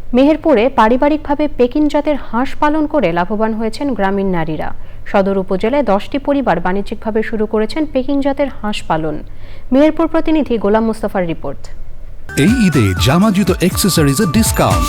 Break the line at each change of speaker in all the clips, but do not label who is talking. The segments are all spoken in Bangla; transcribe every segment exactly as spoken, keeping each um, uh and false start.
মেহেরপুরে পারিবারিকভাবে পেকিং জাতের হাঁস পালন করে লাভবান হয়েছেন গ্রামীণ নারীরা। সদর উপজেলায় দশটি পরিবার বাণিজ্যিকভাবে শুরু করেছেন পেকিং জাতের হাঁস পালন। মেহেরপুর প্রতিনিধি গোলাম মুস্তাফার রিপোর্ট।
এই ঈদে জামা জুতো অ্যাক্সেসরিজের ডিসকাউন্ট।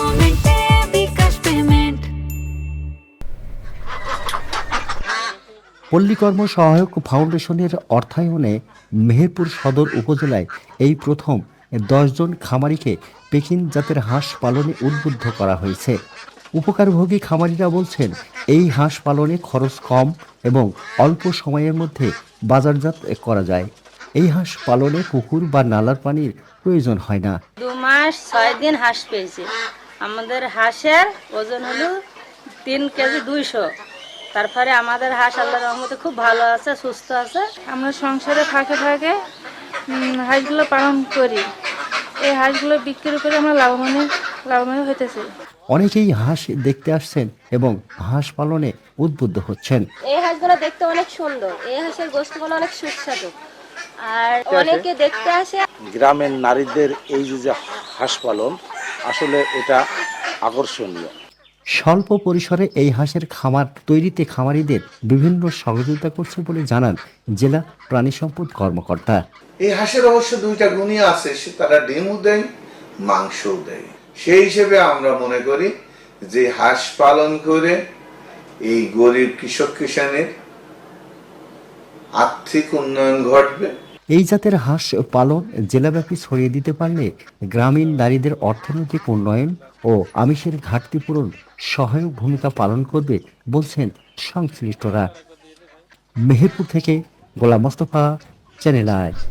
পল্লীকর্ম সহায়ক ফাউন্ডেশনের অর্থায়নে মেহেরপুর সদর উপজেলায় এই প্রথম দশ জন খামারিকে পেকিং জাতের হাঁস পালনে উদ্বুদ্ধ করা হয়েছে। উপকারভোগী খামারিরা বলছেন, এই হাঁস পালনে খরচ কম এবং অল্প সময়ের মধ্যে বাজারজাত করা যায়। এই হাঁস পালনে পুকুর বা নালার পানির প্রয়োজন হয় না।
দু মাস ছয় দিন হাঁস পেয়েছি। আমাদের হাঁসের ওজন হলো তিন কেজি দুইশো। তারপরে আমাদের হাঁস আল্লাহর রহমতে খুব ভালো আছে, সুস্থ আছে।
আমরা সংসারে ফাঁকে ফাঁকে হাঁসগুলো পালন করি। এই হাঁসগুলো বিক্রি করে আমরা লাভবান লাভবান হইতেছি।
অনেকেই হাঁস দেখতে আসছেন এবং হাঁস পালনে উদ্বুদ্ধ হচ্ছেন।
এই হাঁসগুলো দেখতে অনেক সুন্দর, এই হাঁসের গোশতগুলো অনেক সুস্বাদু, আর অনেকে দেখতে আসে।
গ্রামের নারীদের এই যে হাঁস পালন আসলে এটা আকর্ষণীয়।
স্বল্প পরিসরে এই হাঁসের খামার তৈরিতে খামারিদের বিভিন্ন সহযোগিতা করছে বলে জানান জেলা প্রাণী সম্পদ কর্মকর্তা।
এই হাঁসের অবশ্য দুইটা গুণই আছে, সে তারা ডিমও দেয়, মাংসও দেয়। সেই হিসেবে আমরা মনে করি যে হাঁস পালন করে এই গরিব কৃষক কিষানের আর্থিক উন্নয়ন ঘটবে।
এই জাতের হাঁস পালন জেলাব্যাপী ছড়িয়ে দিতে পারলে গ্রামীণ নারীদের অর্থনৈতিক উন্নয়ন ও আমিষের ঘাটতি পূরণ সহায়ক ভূমিকা পালন করবে বলছেন সংশ্লিষ্টরা। মেহেরপুর থেকে গোলাম মোস্তফা, চ্যানেল আই।